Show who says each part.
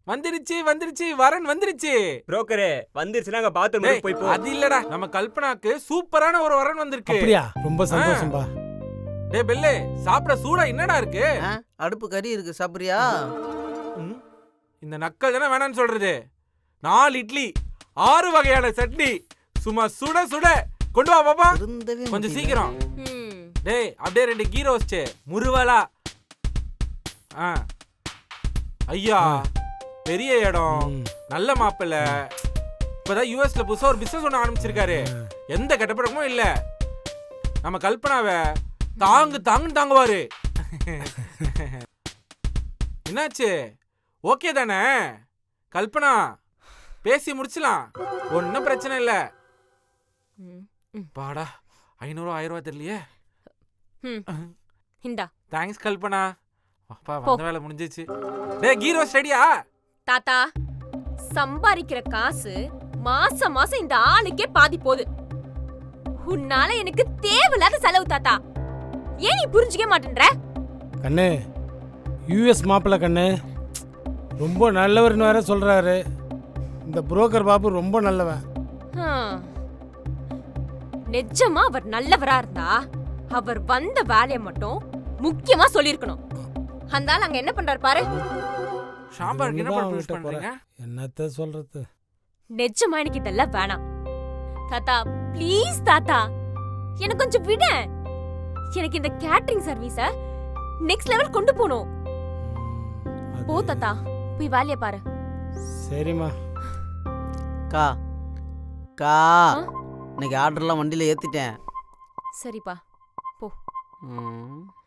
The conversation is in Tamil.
Speaker 1: வந்துருச்சு வந்துருச்சு வரன் வந்துருச்சு.
Speaker 2: புரோக்கரே வந்துருச்சுனா அங்க பாத்ரூம் போய் போ.
Speaker 1: அது இல்லடா, நம்ம கல்பனாக்கு சூப்பரான ஒரு வரன் வந்திருக்கு.
Speaker 3: அப்படியா? ரொம்ப சந்தோஷம்பா.
Speaker 1: டேய் பெல்லே, சாப்பிட சூடா என்னடா இருக்கு?
Speaker 4: அடுப்பு கறி இருக்கு, சாப்பிடுறியா?
Speaker 1: இந்த நக்கல் தானே வேணான்னு சொல்றது. 4 இட்லி 6 வகையான சட்னி சும்மா சுட சுட கொண்டு வா பாப்பா. கொஞ்சம் சீக்கிரம். டேய் அப்படியே 2 கீ ரோஸ்ட் முருவலா. ஐயா பெரிய இடம், நல்ல மாப்பிள்ள. இப்பதான் யூஎஸ்ல புதுசா ஒரு பிசினஸ் ஒண்ணு ஆரம்பிச்சிருக்காரு. எந்த கெட்டப்படமும் இல்ல. நம்ம கல்பனாவை தாங்குன்னு தாங்குவாரு. என்னாச்சு? ஓகே தானே கல்பனா? பேசி முடிச்சலாம், ஒன்னும் பிரச்சனை இல்ல. பாடா 500 1000 தெரியலையே. தேங்க்ஸ் கல்பனா. அப்பா வந்த வேலை முடிஞ்சிச்சு. டேய் கீ ரோஸ்ட் ரெடியா?
Speaker 5: தாத்தா சம்பாதிக்கிற காசு மாசம் மாசம் இந்த ஆளுக்கே பாதி போகுது. உன்னால எனக்கு தேவையில்லாத செலவு தாத்தா. ஏன் நீ புரிஞ்சுக்க மாட்டேன்ற?
Speaker 3: கண்ணு யூஎஸ் மாப்பிள்ள கண்ணு ரொம்ப நல்லவர்னு வேற சொல்றாரு. இந்த புரோக்கர் பாபு ரொம்ப நல்லவன்.
Speaker 5: நிஜமா அவர் நல்லவரா இருந்தா அவர் வந்த வேலையை மட்டும் முக்கியமா சொல்லிருக்கணும். அந்த ஆள் அங்க என்ன பண்றாரு பாரு.
Speaker 1: சாம்பாருக்கு என்ன ப்ரொபோஸ் பண்றீங்க?
Speaker 3: என்னத்த சொல்றது?
Speaker 5: நிஜமா எனக்கு இதெல்லாம் வேணாம் தாத்தா. ப்ளீஸ் தாத்தா எனக்கு கொஞ்சம் விட. எனக்கு இந்த கேட்டரிங் சர்வீஸ நெக்ஸ்ட் லெவல் கொண்டு போணும். போ தாத்தா, போய் வேலைய பாரு.
Speaker 3: சரிம்மா.
Speaker 4: கா கா இன்னைக்கு ஆர்டர்லாம் வண்டியில ஏத்திட்டேன்.
Speaker 5: சரிப்பா போ.